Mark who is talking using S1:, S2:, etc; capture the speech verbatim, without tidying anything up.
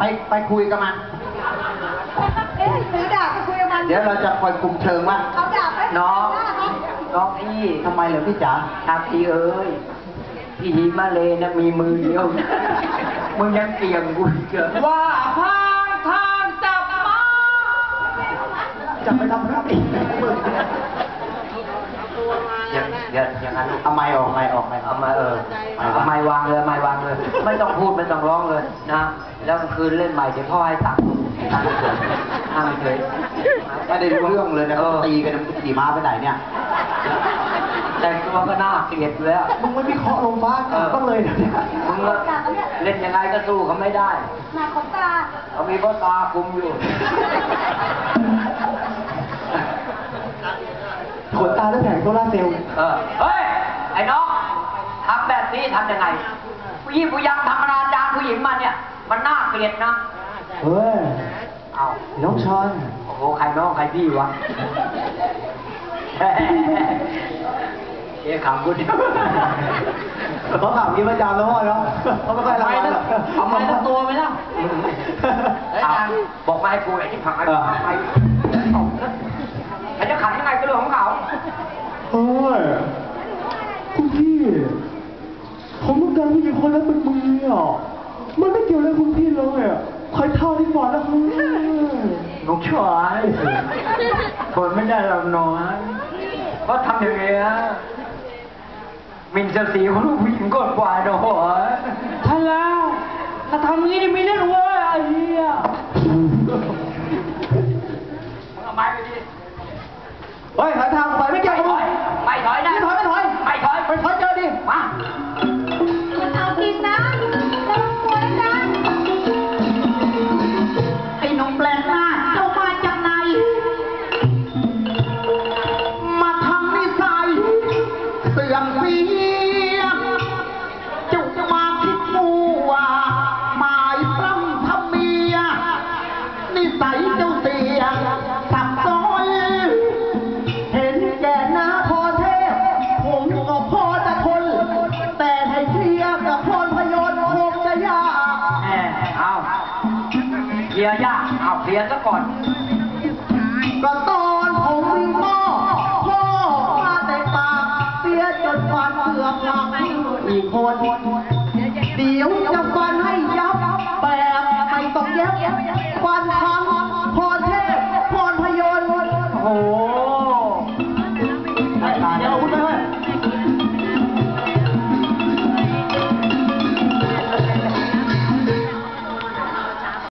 S1: ไปคุยกับมัน
S2: เอ๊ะถือดาบไปคุยกับมัน
S1: เดี๋ยวเราจะคอยคุมเชิงว่า
S2: เอาดาบไป
S3: น้องน้องพี่
S1: ทำไมเหรอพี่จ๋า
S3: ครับพี่เอ้ยพี่มาเลยนะมีมือเดียวมึงยังเกี่ยงกูเกิดว่าพางทางจับมา
S1: จะไปทำอะไรอีก
S3: อย่างอย่างอย่างนั้น
S1: เอาไม้ออกไม้ออกไม้
S3: เอามาเออเอาไม้วางเลยไม้วางเลยไม่ต้องพูดไม่ต้องร้องเลยนะแล้วคืนเล่นใหม่เดี๋ยวพ่อให้ตังค์ตังค์เฉยตังค์เฉย
S1: ไม่ได้รู้เรื่องเลยนะเขาตีกันมันขี่ม้าไปไหนเนี่ย
S3: แต่งตัวก็น่าเกลียดเลยอ่ะ
S1: มึงไม่วิเคราะห์ลงฟ้ากันบ้างเลยเนี่ย
S3: มึงเล่นยังไงก็สู้เขาไม่ได้
S2: หน้าขนตา
S3: เขามีพ่อตาคุมอยู่
S1: ขนตาแล้วแผงโซล่าเซลล์
S3: เออเฮ้ยไอ้น้องทำแบบนี้ทำยังไงผู้หญิงผู้ยังทำอนาจารผู้หญิงมาเนี่ยมันน่าเกลียดนะ
S1: เฮ้ย
S3: เอา
S1: น้องชอน
S3: โอ้โหใครน้องใครพี่วะเอ๊ะขำกูดิ
S1: เขาขำกินประจำแล้วพ่อเนาะเขาไม่ค่อยรักเรา
S3: เอาไม้ทั้งตัวไหมล่ะบอกมาให้กูไอ้ที่ผักไอ้ไปไอ้จะขันยังไงก็เรื่องของเขา
S1: เฮ้ยคุณพี่ผมต้องการผู้หญิงคนนั้นเป็นมืออ่ะมันไม่เกี่ยวอะไรคุณพี่เลยอ่ะใครเท่าที่ก่อนนะครับ
S3: น้องชายทนไม่ได้หรอกน้อยเพราะทำอย่างเงี้ยมินเสียสีของลูกผู้หญิงก่อนกว่าเนาะท่านแล้วถ้าทำงี้นี่มีเรื่องเว้ยไอ้เหี้ยมึงเอาไม้ไปดิ
S1: เฮ้ยหาทางไปไม่เกี่ยวกับมึง
S3: ไม่ถอยนะ
S1: ไม่ถอยไม่ถอย
S3: ไม่ถอย
S1: ไม่ถอยเจอดิ
S3: มา
S2: มันเอากินนะแล้วมันกลัวนะ
S1: ไอ้หนุ่มแปลกหน้าเจ้ามาจากไหนมาทำนิสัยเสื่อมเสียจุกมาคิดมัวหมายปล้ำทำเมียนิสัยเจ้าเสียสับซ้อนเห็นแก่หน้าพอเทพผมก็พอจะทนแต่ให้เทียบกับพรพยนต์คงจะยาก
S3: แหมเอาเคลียร์ยากเอาเคลียร์ซะก่อน
S1: ก็ตอนผมวิ่งหม้อพ่อมาแต่ปากเสียจนฟันเกือบหักอีกคนเดี๋ยวจะฟันให้ยับแบบไม่ต้องเย็บฟันพังพรเทพพรพยนต์โอ้